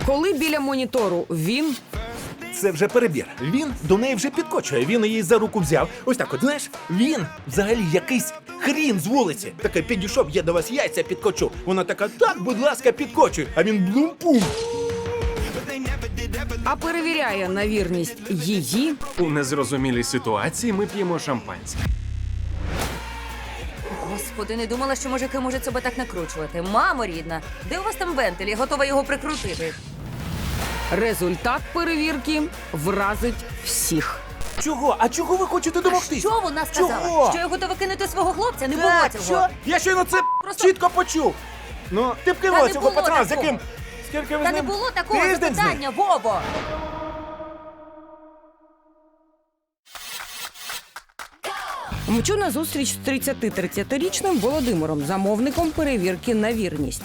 Коли біля монітору він... Це вже перебір. Він до неї вже підкочує. Він її за руку взяв. Ось так от, знаєш, він взагалі якийсь хрін з вулиці. Таке, підійшов, я до вас яйця підкочу. Вона така, так, будь ласка, підкочуй. А він блум-пум. А перевіряє на вірність її... У незрозумілій ситуації ми п'ємо шампанське. Господи, не думала, що мужики можуть себе так накручувати. Мамо рідна, де у вас там вентиль? Я готова його прикрутити. Результат перевірки вразить всіх. Чого? А чого ви хочете домогтись? Що вона сказала? Чого? Що я готова кинути свого хлопця? Не було Так, цього. що? Я щойно це Просто- чітко почув. Ну, ти б Та кинула не цього було пацана, з такого. яким... Скільки ви Та з не ним? було такого Тиждень з ним? запитання, Вова! Мчу на зустріч з 30-річним Володимиром, замовником перевірки на вірність.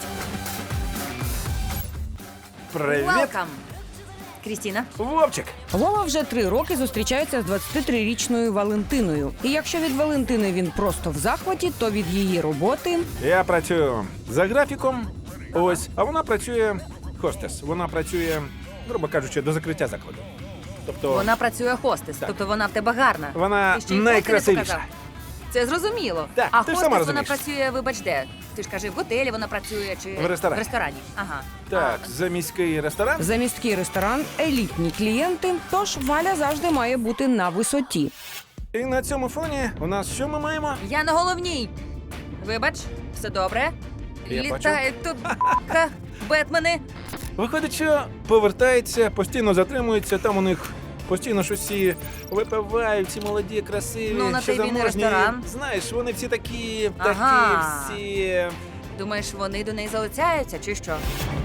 Привіт, Welcome. Крістіна. Вовчик. Вова вже 3 роки зустрічається з 23-річною Валентиною. І якщо від Валентини він просто в захваті, то від її роботи... Я працюю за графіком, ось, а вона працює хостес. Вона працює, грубо кажучи, до закриття закладу. Тобто Вона працює хостес, Так. тобто вона в тебе гарна. Вона Ти ще й фотки не найкрасивіша. показав. Це зрозуміло. Так, а ти ж хостес сама вона розумієш. працює, вибач, де? Ти ж кажи, в готелі вона працює чи В ресторані. В ресторані. Ага. Так, за міський ресторан. Заміський ресторан, елітні клієнти, тож Валя завжди має бути на висоті. І на цьому фоні у нас що ми маємо? Я на головній. Вибач, все добре. Я Літають тут Бетмени. Виходить, що повертається, постійно затримується, там у них постійно щось всі випивають, всі молоді, красиві, Ну, на що той він і заможні. ресторан. Знаєш, вони всі такі птахи, Ага. всі... Думаєш, вони до неї залицяються, чи що?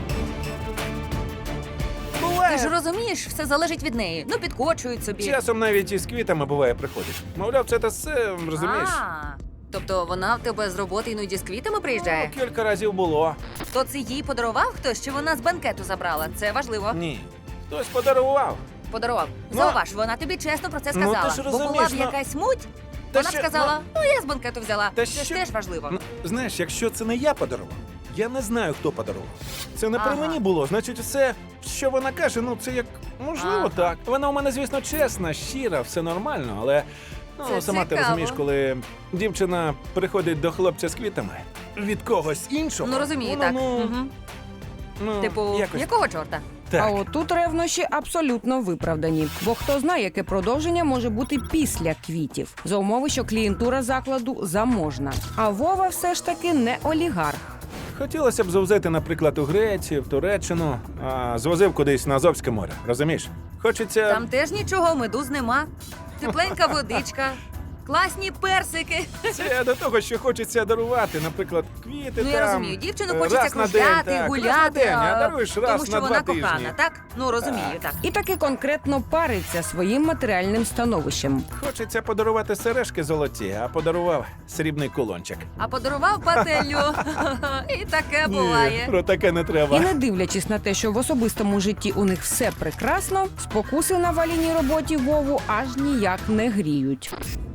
Буває. Ти ж розумієш, все залежить від неї. Ну, підкочують собі. Часом навіть із квітами буває приходить. Мовляв, це та все, розумієш? Тобто вона в тебе з роботи іноді з квітами приїжджає? Ну, кілька разів було. То це їй подарував хтось, чи вона з банкету забрала? Це важливо. Ні. Хтось подарував. Подарував. Ну, Зауваж, вона тобі чесно про це ну, сказала. ти ж Бо була розумієш, б ну, якась муть, та вона б що, сказала, ну я з банкету взяла. Та Це ж що? теж важливо. Ну, знаєш, якщо це не я подарував, я не знаю, хто подарував. Це не при Ага. мені було. Значить, все, що вона каже, ну це як можливо Ага. так. Вона у мене, звісно, чесна, щира, все нормально, але Це сама ти цікаво. розумієш, коли дівчина приходить до хлопця з квітами від когось іншого. Ну розумію, воно, так. Ну, Мгм. ну, Типу, якось якого чорта? так. А отут ревнощі абсолютно виправдані. Бо хто знає, яке продовження може бути після квітів. За умови, що клієнтура закладу заможна. А Вова все ж таки не олігарх. Хотілося б завозити, наприклад, у Грецію, в Туреччину, а звозив кудись на Азовське море, розумієш? Хочеться... Там теж нічого, медуз нема. Тепленька водичка, класні персики. Це до того, що хочеться дарувати, наприклад, квіти Ну там. я розумію, дівчину раз хочеться на день, кружляти, так, гуляти, раз на день, а даруєш раз тому що на вона 2 тижні. кохана, так? Ну розумію, так. І таки конкретно париться своїм матеріальним становищем. Хочеться подарувати сережки золоті, а подарував срібний кулончик. А подарував пательню. І таке буває. Ні, про таке не треба. І не дивлячись на те, що в особистому житті у них все прекрасно, спокуси на Валіній роботі Вову аж ніяк не гріють.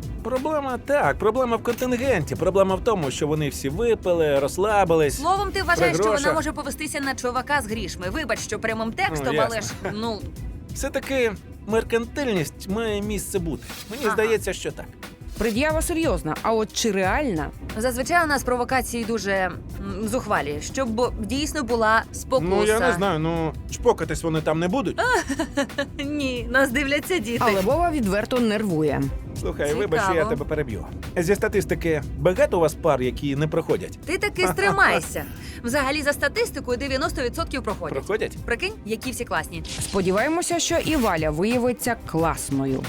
Проблема в контингенті. Проблема в тому, що вони всі випили, розслабились. Словом, ти вважаєш, При що вона грошах. може повестися на чувака з грішми. Вибач, що прямим текстом, ясно. але ж, ну, Все-таки меркантильність має місце бути. Мені Ага. здається, що так. Пред'ява серйозна, а от чи реальна? зазвичай у нас провокації дуже зухвалі, щоб дійсно була спокуса. Ну, я не знаю, чпокатись вони там не будуть. Ні, нас дивляться діти. Але Вова відверто нервує. Слухай, Цікаво. вибач, що я тебе переб'ю. Зі статистики багато у вас пар, які не проходять? Ти таки стримайся. Взагалі, за статистикою, 90% проходять. Проходять? Прикинь, які всі класні. Сподіваємося, що і Валя виявиться класною.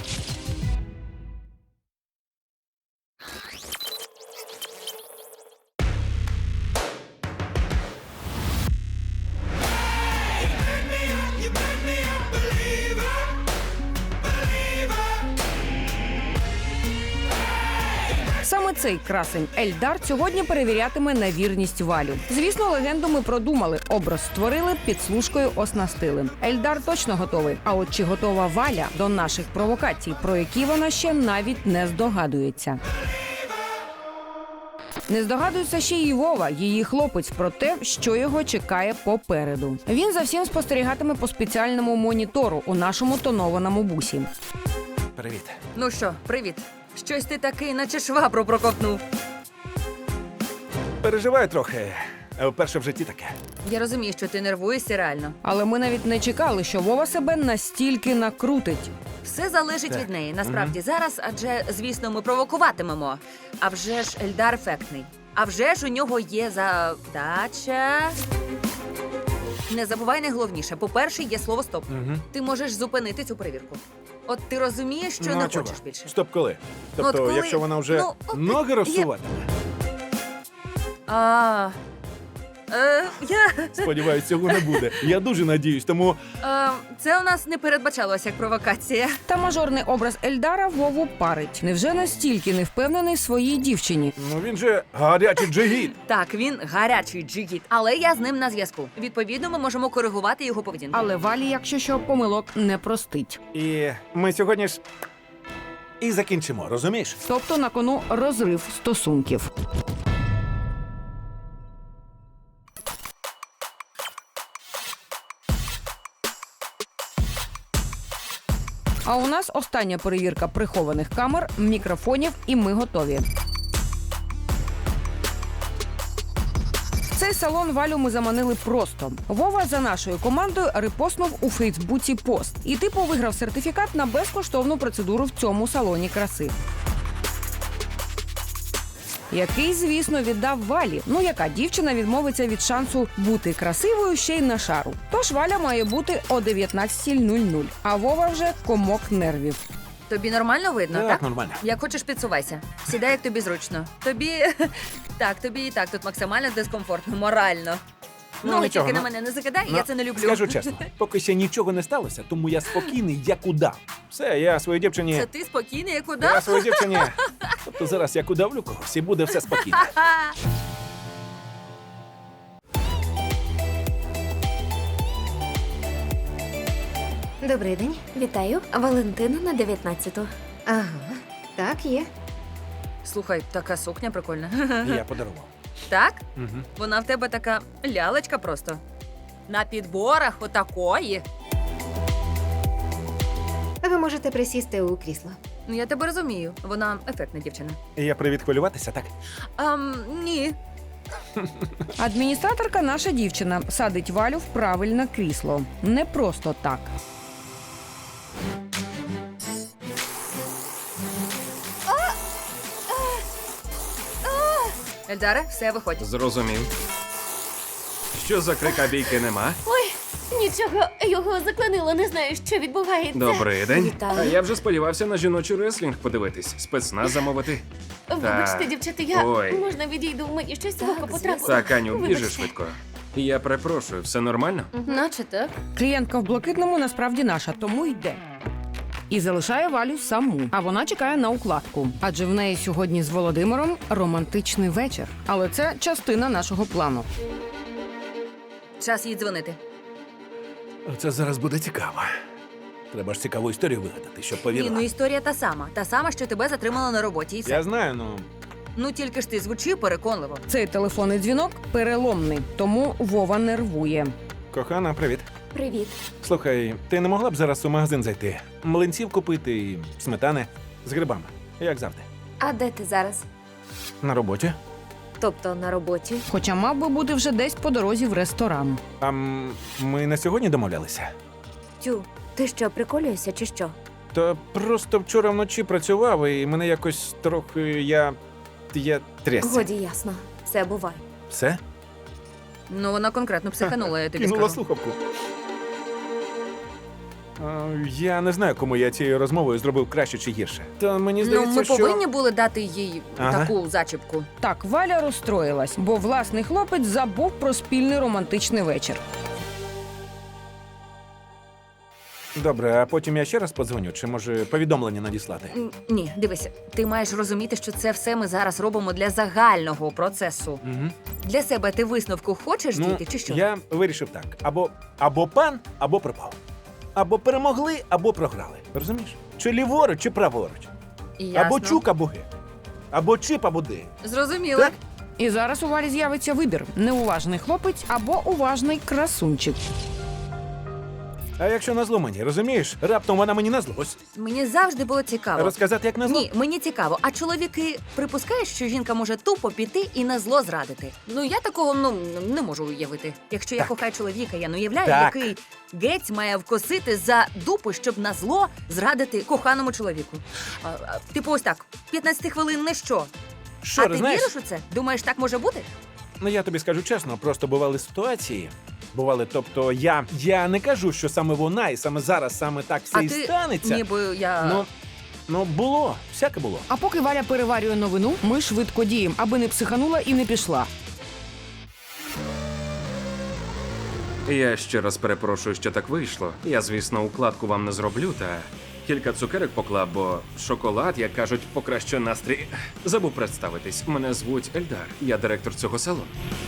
Саме цей красень Ельдар сьогодні перевірятиме на вірність Валю. Звісно, легенду ми продумали, образ створили, підслужкою оснастили. Ельдар точно готовий. А от чи готова Валя до наших провокацій, про які вона ще навіть не здогадується. Не здогадується ще й Вова, її хлопець, про те, що його чекає попереду. Він за всім спостерігатиме по спеціальному монітору у нашому тонованому бусі. Привіт. Ну що, привіт. Щось ти такий, наче швабру проковтнув. Переживаю трохи. Вперше в житті таке. Я розумію, що ти нервуєшся реально. Але ми навіть не чекали, що Вова себе настільки накрутить. Все залежить Так. від неї. Насправді зараз, адже, звісно, ми провокуватимемо. А вже ж Ельдар ефектний. А вже ж у нього є задача. Не забувай найголовніше. По-перше, є слово стоп. Угу. Ти можеш зупинити цю перевірку. От ти розумієш, що Ну, не а чого? хочеш більше. Стоп, коли? Тобто, От коли- якщо вона вже Ну, ноги розсуватиме? Я... Сподіваюсь, цього не буде. Я дуже надіюсь, тому Це у нас не передбачалося як провокація. Та мажорний образ Ельдара Вову парить. Невже настільки не впевнений в своїй дівчині? ну він же гарячий джигіт. Так, він гарячий джигіт, але я з ним на зв'язку. Відповідно, ми можемо коригувати його поведінку. Але Валі, якщо що, помилок не простить. І ми сьогодні ж і закінчимо, розумієш? Тобто на кону розрив стосунків. А у нас остання перевірка прихованих камер, мікрофонів, і ми готові. В цей салон Валю ми заманили просто. Вова за нашою командою репостнув у Фейсбуці пост. І типу виграв сертифікат на безкоштовну процедуру в цьому салоні краси. Який, звісно, віддав Валі. Ну, яка дівчина відмовиться від шансу бути красивою ще й на шару. Тож Валя має бути о 19:00, а Вова вже комок нервів. Тобі нормально видно, так? нормально. Як хочеш, підсувайся. Сідай, як тобі зручно. Тобі так, тобі і так тут максимально дискомфортно, морально. Ну, Ноги нічого, тільки на ну. мене не закидай, Ну, я це не люблю. Скажу чесно, поки ще нічого не сталося, тому я спокійний, як удав. Все, я своїй дівчині. Це ти спокійний, як Я удав? своїй дівчині. Тобто зараз як удавлю когось і буде все спокійно. Добрий день, вітаю. Валентина на 19-ту. Ага, так, є. Слухай, така сукня прикольна. Я подарував. Так? Угу. Вона в тебе така лялечка просто. На підборах отакої. Ви можете присісти у крісло. Ну, я тебе розумію. Вона ефектна дівчина. Я привід хвилюватися, так? Ні. Адміністраторка наша дівчина садить Валю в правильне крісло. Не просто так. Ельдаре, все, виходь. Зрозумів. Що за крика бійки нема? Ой, нічого, його заклинило, не знаю, що відбувається. Добрий день. Вітаю. А я вже сподівався на жіночий реслінг подивитись, спецназ замовити. Вибачте, Так. дівчата, я Ой. можна відійду, мені щось в око потрапило. Так, Аню, біжи Вибачте. швидко. Я перепрошую, все нормально? Наче так. Клієнтка в блакитному насправді наша, тому йде. І залишає Валю саму, а вона чекає на укладку. Адже в неї сьогодні з Володимиром романтичний вечір. Але це частина нашого плану. Час їй дзвонити. Це зараз буде цікаво. Треба ж цікаву історію вигадати, щоб Ні, повірила. ну історія та сама. Та сама, що тебе затримала на роботі. І все. Я знаю, ну. Ну тільки ж ти звучи переконливо. Цей телефонний дзвінок переломний, тому Вова нервує. Кохана, привіт. Привіт. Слухай, ти не могла б зараз у магазин зайти? Млинців купити і сметани з грибами, як завжди. А де ти зараз? На роботі. Тобто на роботі? Хоча мав би бути вже десь по дорозі в ресторан. А ми на сьогодні домовлялися. Тю, ти що, приколюєшся чи що? То просто вчора вночі працював, і мене якось трохи я трясся. Годі ясно. Все буває. Все? Ну вона конкретно психанула, я тобі Кинула скажу. слухавку. Я не знаю, кому я цією розмовою зробив краще чи гірше. Та мені Ну, здається, ми що... повинні були дати їй Ага. таку зачіпку. Так, Валя розстроїлась, бо власний хлопець забув про спільний романтичний вечір. Добре, а потім я ще раз подзвоню, чи може повідомлення надіслати? Ні, дивися, ти маєш розуміти, що це все ми зараз робимо для загального процесу. Угу. Для себе ти висновку хочеш дійти, чи що? Я вирішив так: або пан, або пропав. Або перемогли, або програли. Розумієш? Чи ліворуч, чи праворуч. Ясно. Або чук, або ги. Або чип, або ди. Зрозуміло. Так? І зараз у Валі з'явиться вибір: неуважний хлопець або уважний красунчик. А якщо назло мені, розумієш? Раптом вона мені назлось. Мені завжди було цікаво. Розказати, як назло? Ні, мені цікаво. А чоловіки припускають, що жінка може тупо піти і на зло зрадити? Ну я такого не можу уявити. Якщо я Так. кохаю чоловіка, я не уявляю, Так. який гець має вкосити за дупу, щоб на зло зрадити коханому чоловіку. Типу, ось так, 15 хвилин не що. Що, а ти знаєш? віриш у це? Думаєш, так може бути? Ну я тобі скажу чесно, просто бували ситуації. Тобто я не кажу, що саме вона і саме зараз, саме так все а і ти станеться. ніби я. Ну було, всяке було. А поки Валя переварює новину, ми швидко діємо, аби не психанула і не пішла. Я ще раз перепрошую, що так вийшло. Я, звісно, укладку вам не зроблю, та кілька цукерок поклав, бо шоколад, як кажуть, покращує настрій. Забув представитись. Мене звуть Ельдар. Я директор цього салону.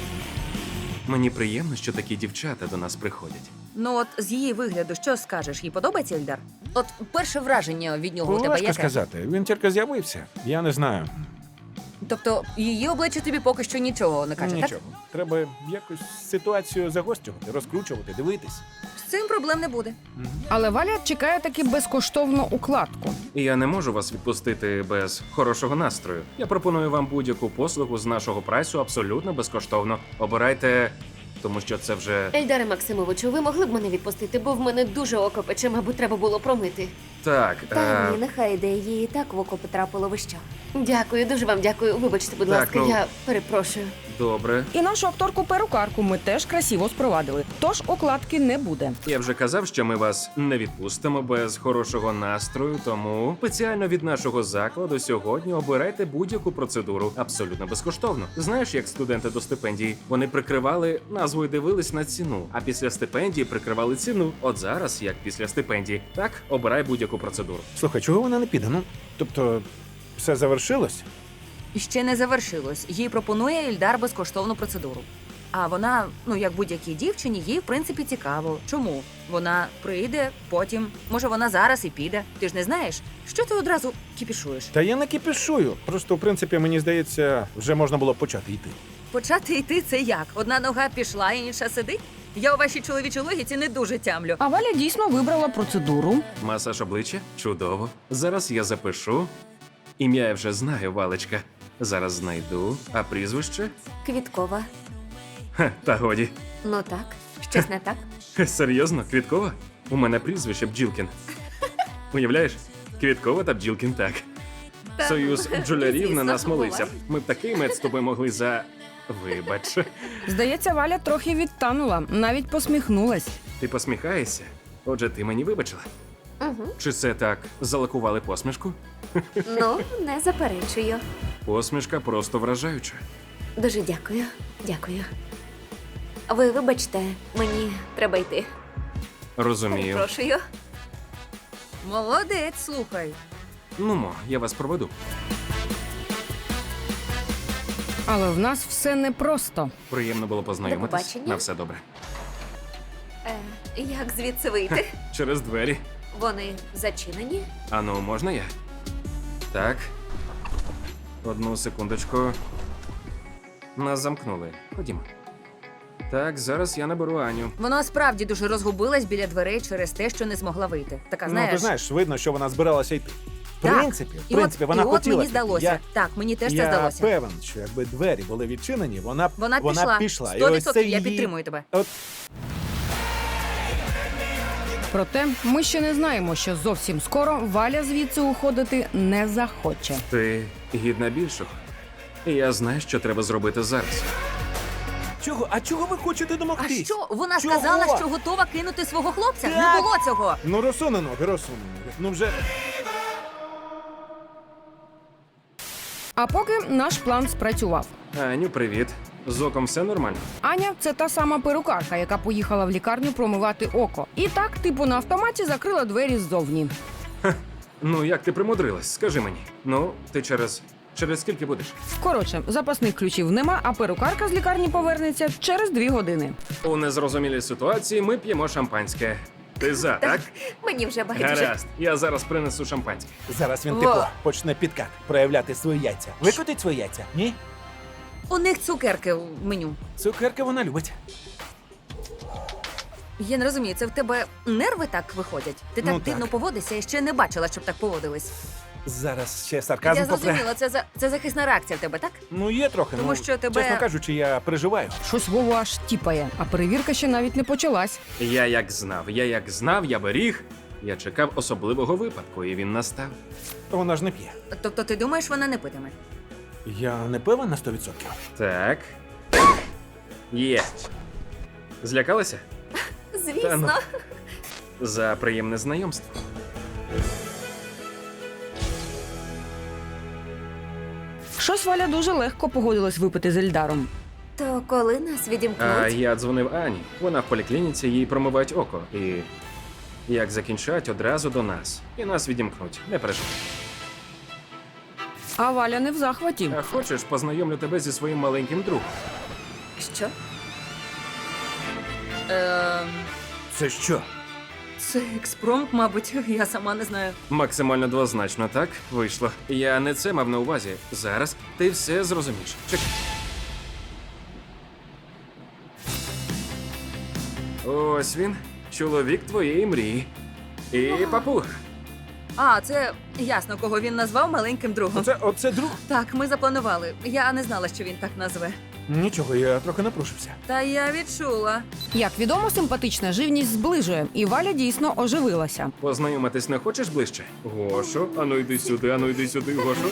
Мені приємно, що такі дівчата до нас приходять. Ну от з її вигляду, що скажеш? Їй подобається Ельдар? От перше враження від нього у тебе Важко яке? сказати. Він тільки з'явився. Я не знаю. Тобто її обличчя тобі поки що нічого не каже, Нічого. так? Треба якось ситуацію загострювати, розкручувати, дивитись. З цим проблем не буде. Але Валя чекає таки безкоштовну укладку. Я не можу вас відпустити без хорошого настрою. Я пропоную вам будь-яку послугу з нашого прайсу абсолютно безкоштовно. Обирайте, тому що це вже Ельдаре Максимовичу, ви могли б мене відпустити, бо в мене дуже око пече, мабуть, треба було промити. так. Та ні, нехай йде, їй і так в око потрапило, ви що? Дякую, дуже вам дякую. Вибачте, будь Так, ласка, ну- я перепрошую. Добре. І нашу акторку-перукарку ми теж красиво спровадили. Тож укладки не буде. Я вже казав, що ми вас не відпустимо без хорошого настрою, тому спеціально від нашого закладу сьогодні обирайте будь-яку процедуру абсолютно безкоштовно. Знаєш, як студенти до стипендії, вони прикривали назву і дивились на ціну, а після стипендії прикривали ціну. От зараз, як після стипендії, так обирай будь-яку процедуру. Слухай, чого вона не піде? Ну, тобто, все завершилось? І ще не завершилось. Їй пропонує Ельдар безкоштовну процедуру. А вона, ну як будь-якій дівчині, їй в принципі цікаво. Чому? Вона прийде, потім, може, вона зараз і піде. Ти ж не знаєш, що ти одразу кіпішуєш? Та я не кипішую. Просто, в принципі, мені здається, вже можна було почати йти. Почати йти це як? Одна нога пішла, інша сидить? Я у вашій чоловічій логіці не дуже тямлю. А Валя дійсно вибрала процедуру. Масаж обличчя? Чудово. Зараз я запишу. Ім'я я вже знаю, Валечка. Зараз знайду. А прізвище? Квіткова. Ха, та годі. Ну так, щось не так? Серйозно, Квіткова? У мене прізвище Бджілкін. Уявляєш? Квіткова та Бджілкін, так. Союз бджолярів на звісно, нас молився. буває. Ми б такий мед з тобою могли за. Вибач. Здається, Валя трохи відтанула, навіть посміхнулась. Ти посміхаєшся? Отже, ти мені вибачила. Угу. Чи це так залакували посмішку? Ну, не заперечую. Посмішка просто вражаюча. Дуже дякую. Дякую. Ви вибачте, мені треба йти. Розумію. Перепрошую. Молодець, слухай. Ну, я вас проведу. Але в нас все непросто. Приємно було познайомитись. До побачення. На все добре. Як звідси вийти? Через двері. Вони зачинені? Ану, можна я? Так. Одну секундочку. Нас замкнули. Ходімо. Так, зараз я наберу Аню. Вона справді дуже розгубилась біля дверей через те, що не змогла вийти. Така, знаєш. Ну, ти знаєш, видно, що вона збиралася йти. В Так. принципі, І вона от хотіла. мені піти. здалося. Так, мені теж це Я здалося. певен, що якби двері були відчинені, вона пішла. І 100% ось це я її... підтримую тебе. От Проте ми ще не знаємо, що зовсім скоро Валя звідси уходити не захоче. Ти гідна більшого. І я знаю, що треба зробити зараз. чого? А чого ви хочете А домогтись? що? Вона Чого? сказала, що готова кинути свого хлопця? Так. Не було цього. Ну, розсуне ноги. Ну вже. А поки наш план спрацював. Аню, привіт. З оком все нормально? Аня це та сама перукарка, яка поїхала в лікарню промивати око. І так, типу, на автоматі закрила двері ззовні. Ну, як ти примудрилась? Скажи мені. Ну, ти через скільки будеш? Коротше, запасних ключів нема, а перукарка з лікарні повернеться через 2 години. У незрозумілій ситуації ми п'ємо шампанське. Ти за, так? Мені вже байдуже. Гаразд. Я зараз принесу шампанське. Зараз він Во. типу почне підкат, проявляти свої яйця. Викотить свої яйця? Ні? У них цукерки в меню. Цукерки вона любить. Я не розумію, це в тебе нерви так виходять? Ти так Ну, дивно так. поводишся, я ще не бачила, щоб так поводились. Зараз ще сарказм Я попре. зрозуміла, це захисна реакція в тебе, так? Ну, є трохи. Тому ну, що тебе- Чесно кажучи, я переживаю. Щось Вову аж тіпає, а перевірка ще навіть не почалась. Я як знав, я беріг. Я чекав особливого випадку, і він настав. Вона ж не п'є. Тобто ти думаєш, вона не питиме? Я не певен на 100%. Так. Є. Злякалася? Звісно. Та ну. За приємне знайомство. Щось Валя дуже легко погодилась випити з Ельдаром. То коли нас відімкнуть? А я дзвонив Ані. Вона в поліклініці, їй промивають око. І як закінчать, одразу до нас. І нас відімкнуть. Не переживай. А Валя не в захваті. А хочеш, познайомлю тебе зі своїм маленьким другом? Що? Це що? Це експромт, мабуть, я сама не знаю. Максимально двозначно, так? Вийшло. Я не це мав на увазі. Зараз ти все зрозумієш. Чекай. Ось він, чоловік твоєї мрії. І папуга. А, це ясно, кого він назвав маленьким другом. Оце друг? Так, ми запланували. Я не знала, що він так назве. Нічого, я трохи напружився. Та я відчула. Як відомо, симпатична живність зближує, і Валя дійсно оживилася. Познайомитись не хочеш ближче? Гошо, ану йди сюди, Гошо.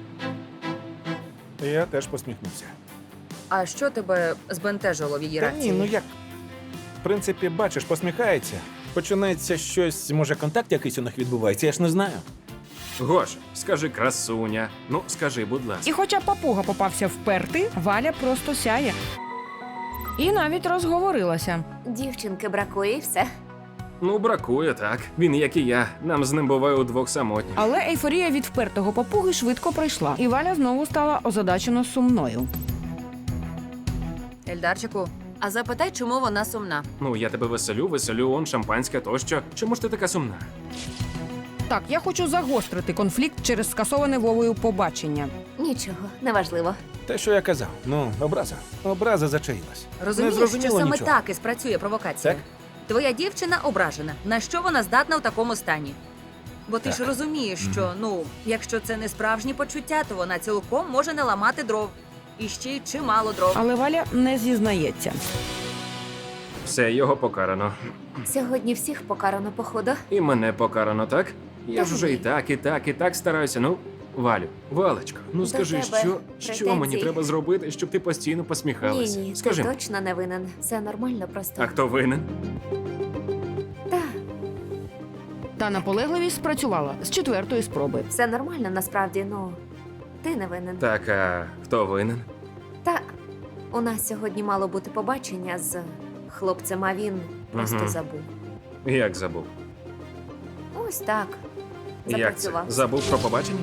Я теж посміхнувся. А що тебе збентежило в її Та реакції? ні, ну як? В принципі, бачиш, посміхається. Починається щось, може, контакт якийсь у них відбувається, я ж не знаю. Гошо, скажи красуня. Ну, скажи, будь ласка. І хоча папуга попався вперти, Валя просто сяє. І навіть розговорилася. Дівчинки бракує і все. Ну, бракує, так. Він, як і я. Нам з ним буває удвох самотні. Але ейфорія від впертого папуги швидко пройшла, і Валя знову стала озадачено сумною. Ельдарчику, а запитай, чому вона сумна. Ну, я тебе веселю, он, шампанське тощо. Чому ж ти така сумна? Так, я хочу загострити конфлікт через скасоване Вовою побачення. Нічого, неважливо. Те, що я казав, ну, образа. Образа зачаїлась. Розумієш, Не зрозуміло що саме нічого. так і спрацює провокація? Так? Твоя дівчина ображена. На що вона здатна в такому стані? Бо ти ж Так. розумієш, що, якщо це не справжні почуття, то вона цілком може не ламати дров. І ще й чимало дров. Але Валя не зізнається. Все, його покарано. Сьогодні всіх покарано, походу. І мене покарано, так? Я ж Та вже ні. і так стараюся. Ну, Валю, Валечко, ну До скажи, тебе що мені претензій? треба зробити, щоб ти постійно посміхалася? Ні, Скажи. ти точно не винен. Все нормально, просто. А хто винен? Та, Та наполегливість спрацювала з четвертої спроби. все нормально, насправді, ну. Ти не винен. Так, а хто винен? Та, у нас сьогодні мало бути побачення з хлопцем, а він просто Мгм. забув. Як забув? Ось так. Як це? Запрацював. Забув про побачення?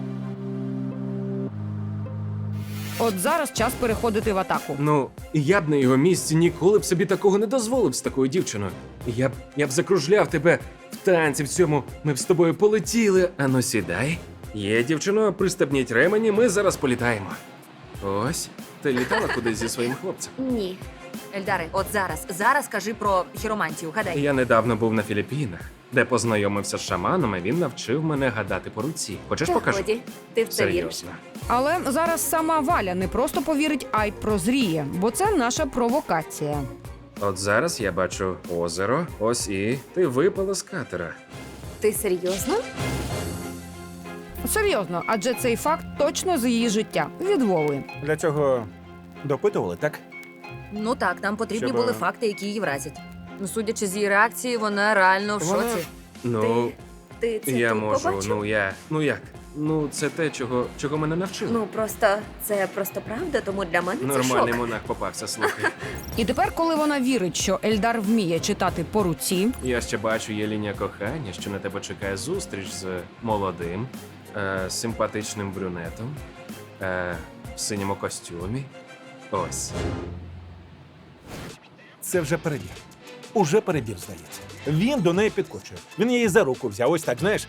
От зараз час переходити в атаку. Ну, я б на його місці ніколи б собі такого не дозволив з такою дівчиною. Я б закружляв тебе в танці в цьому. Ми б з тобою полетіли. Ану, сідай. Є, дівчино, пристебніть ремені, ми зараз політаємо. Ось, ти літала кудись зі своїм хлопцем. Ні. Ельдаре, от зараз кажи про хіромантію, гадай. Я недавно був на Філіппінах, де познайомився з шаманом, і він навчив мене гадати по руці. Хочеш Та покажу? годі, ти в це віриш. Серйозно. Але зараз сама Валя не просто повірить, а й прозріє, бо це наша провокація. От зараз я бачу озеро, ось і ти випала з катера. Ти серйозно? Серйозно, адже цей факт точно з її життя від Вови. Для цього допитували, так? Ну так, нам потрібні Щоб, були факти, які її вразять. Ну, судячи з її реакції, вона реально в Вона- шоці. Ну, Ти це я тут можу, побачив? ну як? Ну, це те, чого мене навчили. Ну, це просто правда, тому для мене це Нормальний шок. монах попався, слухай. І тепер, коли вона вірить, що Ельдар вміє читати по руці, Я ще бачу, є лінія кохання, що на тебе чекає зустріч з молодим, симпатичним брюнетом, в синьому костюмі. Ось. Це вже перебір. Уже перебір, здається. Він до неї підкочує. Він її за руку взяв, ось так, знаєш.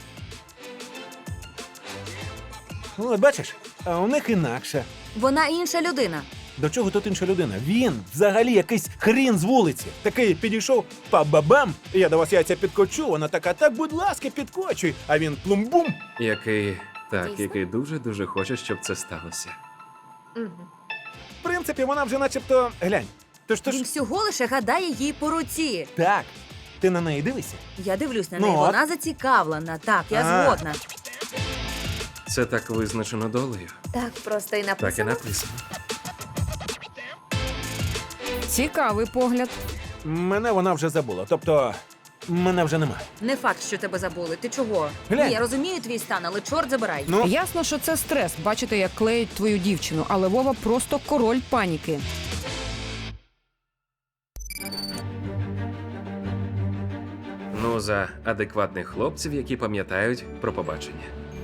Ну, от бачиш, а у них інакше. Вона інша людина. До чого тут інша людина? Він взагалі якийсь хрін з вулиці. Такий підійшов, па-бабам, я до вас яйця підкочу, вона така, так, будь ласка, підкочуй. А він плум-бум. Дійсно? Який дуже-дуже хоче, щоб це сталося. Угу. В принципі, вона вже начебто, глянь. Тож, Він всього лише гадає їй по руці. так, ти на неї дивишся? Я дивлюсь на Ну, неї, от. вона зацікавлена. Так, я А. згодна. Це так визначено долею. Так просто і Так і написано. написано. Цікавий погляд. Мене вона вже забула, тобто мене вже нема. Не факт, що тебе забули. Ти чого? Глянь. Ні, я розумію твій стан, але чорт забирай. Ну, Ясно, що це стрес бачити, як клеють твою дівчину, але Вова просто король паніки. Ну, за адекватних хлопців, які пам'ятають про побачення.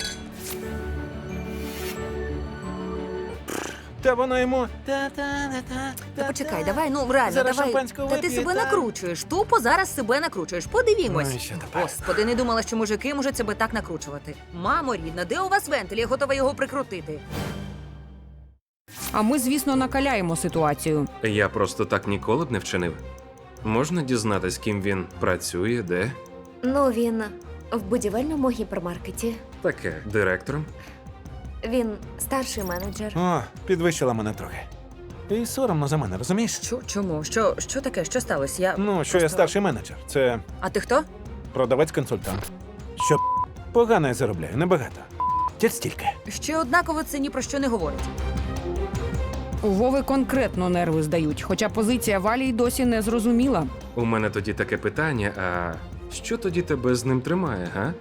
та вона йому. Та почекай, давай, ну реально, Зараз давай. шампанського Та ти вип'є, себе та. накручуєш. Тупо зараз себе накручуєш. Подивімось. Ну, і що тепер? Господи, не думала, що мужики можуть себе так накручувати. Мамо рідна, де у вас вентиль? Я готова його прикрутити. А ми, звісно, накаляємо ситуацію. Я просто так ніколи б не вчинив. Можна дізнатись, ким він працює, де? Ну, він в будівельному гіпермаркеті. Таке, директором? Він старший менеджер. О, підвищила мене трохи. І соромно за мене, розумієш? Що? Чому? Що таке? Що сталося? Я Ну, що я просто- старший менеджер. Це А ти хто? продавець-консультант. Що погано я заробляю, небагато. Тільки стільки. Ще однаково це ні про що не говорить. У Вови конкретно нерви здають, хоча позиція Валі й досі не зрозуміла. У мене тоді таке питання, а що тоді тебе з ним тримає, га?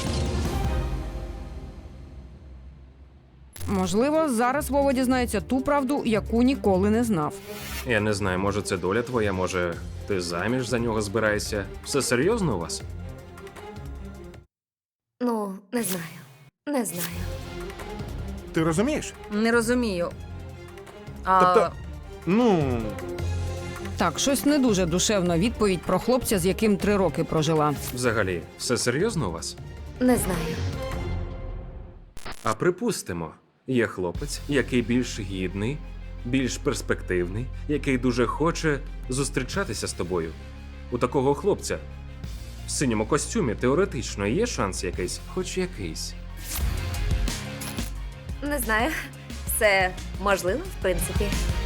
Можливо, зараз Вова дізнається ту правду, яку ніколи не знав. Я не знаю, може це доля твоя, може ти заміж за нього збираєшся? Все серйозно у вас? Ну, не знаю. Не знаю. Ти розумієш? Не розумію. А... Тобто- Ну, Так, щось не дуже душевна відповідь про хлопця, з яким 3 роки прожила. Взагалі, все серйозно у вас? Не знаю. А припустимо, є хлопець, який більш гідний, більш перспективний, який дуже хоче зустрічатися з тобою. У такого хлопця в синьому костюмі теоретично є шанс якийсь, хоч якийсь. Не знаю. Все можливо, в принципі.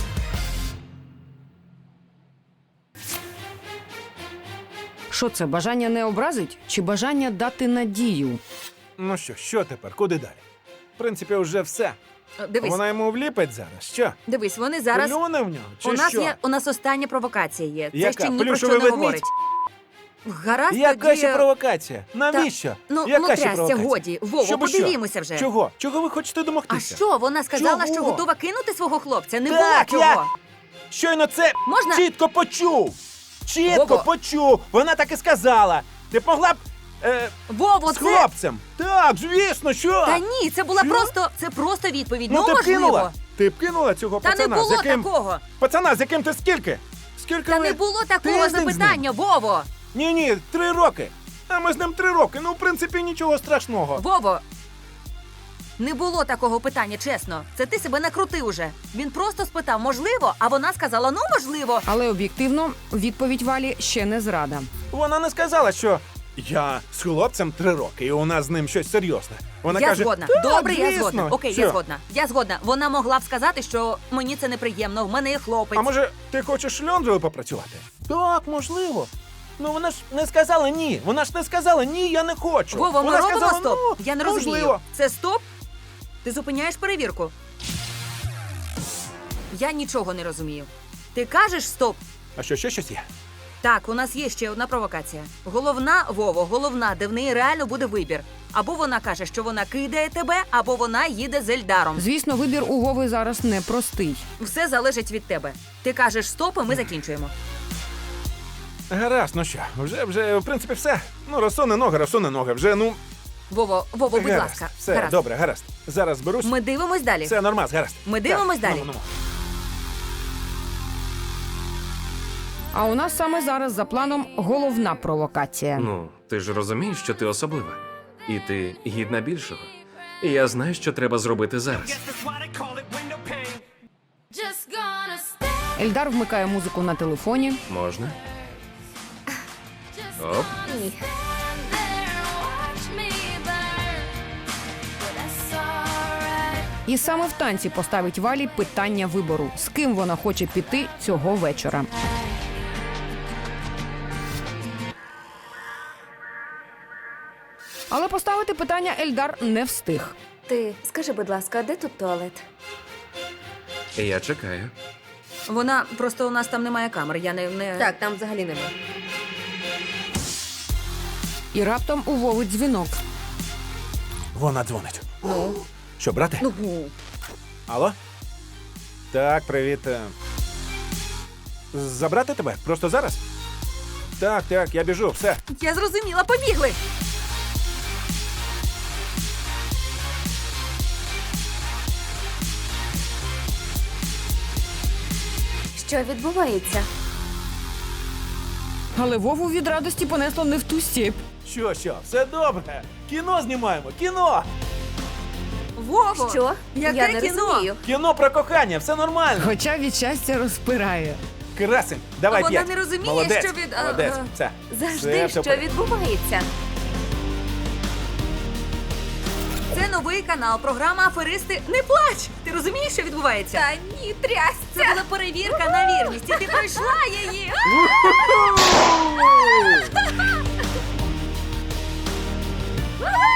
Що це, бажання не образить чи бажання дати надію? ну що тепер? Куди далі? В принципі, вже все. Дивись, Вона йому вліпить зараз. Що? дивись, вони зараз. Плюне в нього? Чи У нас що? є, у нас остання провокація є. Це Яка? ще ні про Плюшевий що не ведмідь? говорить. Гаразд, Яка тоді... ще провокація? Навіщо? Ну, Яка ну ще трясся, провокація? годі. Вово, Щоб що? подивімося вже. Чого? Чого ви хочете А домогтися? що, вона сказала, Чого? що готова кинути свого хлопця? Не Так, було чого. Щойно це Можна? чітко почув. Чітко Вово. почув. Вона так і сказала. Ти б могла б Вово, з це... хлопцем. Так, звісно, що? Та ні, це була Що? просто відповідь. Ну, Ну, ти б можливо. кинула. Ти б кинула цього Та не пацана, було з яким... такого. Пацана, з яким ти скільки? Скільки Та ви... не було Ти такого з ним запитання, Вово. Ні, 3 роки. А ми з ним 3 роки. Ну, в принципі, нічого страшного. Вово. Не було такого питання, чесно. Це ти себе накрутив уже. Він просто спитав, можливо, а вона сказала, ну, можливо. Але об'єктивно, відповідь Валі ще не зрада. Вона не сказала, що я з хлопцем 3 роки, і у нас з ним щось серйозне. Вона Я каже, згодна. «Так, Добре, я звісно». згодна. Окей, Що? я згодна. Я згодна. Вона могла б сказати, що мені це неприємно, в мене є хлопець. А може, ти хочеш шльондрою попрацювати? Так, можливо. Ну вона ж не сказала ні. Вона ж не сказала ні, я не хочу. Вова, ми вона робимо сказала, стоп. Ну, Я не можливо. розумію. Це стоп? Ти зупиняєш перевірку? Я нічого не розумію. Ти кажеш стоп? А що, ще щось є? Так, у нас є ще одна провокація. Головна, Вово, головна, де в неї реально буде вибір. Або вона каже, що вона кидає тебе, або вона їде з Ельдаром. Звісно, вибір у Вови зараз непростий. Все залежить від тебе. Ти кажеш стоп, і ми закінчуємо. Гаразд, ну що, вже, в принципі, все. Ну, розсуне ноги, вже, ну... Вово, будь гаразд, ласка. Все, гаразд. добре, гаразд. Зараз зберусь. Ми дивимось далі. Все, нормас, гаразд. Ми дивимось Так, далі. ну. А у нас саме зараз за планом головна провокація. Ну, ти ж розумієш, що ти особлива. І ти гідна більшого. І я знаю, що треба зробити зараз. Just gone. Ельдар вмикає музику на телефоні. Можна? Оп. Ні. І саме в танці поставить Валі питання вибору, з ким вона хоче піти цього вечора. Але поставити питання Ельдар не встиг. Ти скажи, будь ласка, а де тут туалет? Я чекаю. Вона просто у нас там немає камер. Я не... Так, там взагалі немає. І раптом у Вови дзвінок. Вона дзвонить. Ну, Що, брате? ну. Алло? Так, привіт. Забрати тебе? Просто зараз? Так, я біжу, все. Я зрозуміла, побігли. Що відбувається? Але Вову від радості понесло не в ту степь. Що, все добре. Кіно знімаємо, кіно! Вово! Що? Яке Я не кіно? розумію. Кіно про кохання, все нормально. Хоча від щастя розпирає. Красень, давай А вона 5. не розуміє, Молодець, що від- Молодець, ага. все. Завжди, Все, що відбувається? Це новий канал, програма Аферисти. Не плач! Ти розумієш, що відбувається? Та ні, трясся. Це була перевірка на вірність, і ти пройшла її. Уху!